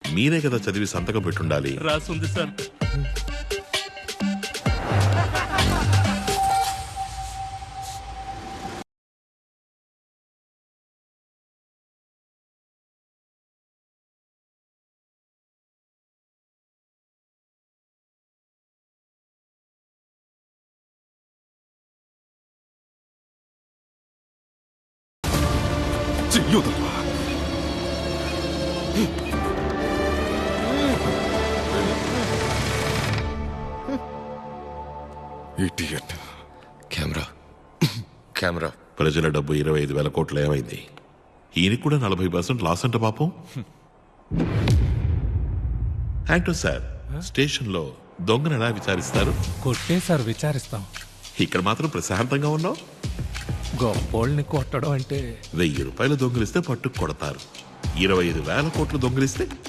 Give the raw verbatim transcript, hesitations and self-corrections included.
మీరే కదా చదివి సంతకం పెట్టుండాలి. రాసుంది సార్. చెయ్యొద్దురా. ఇడియట్. కెమెరా కెమెరా ప్రజల డబ్బు ఇరవై ఐదు వేల కోట్లు ఏమైంది? ఈయనకి కూడా నలభై పర్సెంట్ లాస్ అంట పాపం. యాక్టర్ సార్, స్టేషన్ లో దొంగను ఎలా విచారిస్తారు? కొట్టే సార్ విచారిస్తాం. ఇక్కడ మాత్రం ప్రశాంతంగా ఉన్నావు. గొప్పోళ్ళని కొట్టడం అంటే వెయ్యి రూపాయలు దొంగిలిస్తే పట్టుకు కొడతారు, ఇరవై ఐదు వేల కోట్లు దొంగిలిస్తే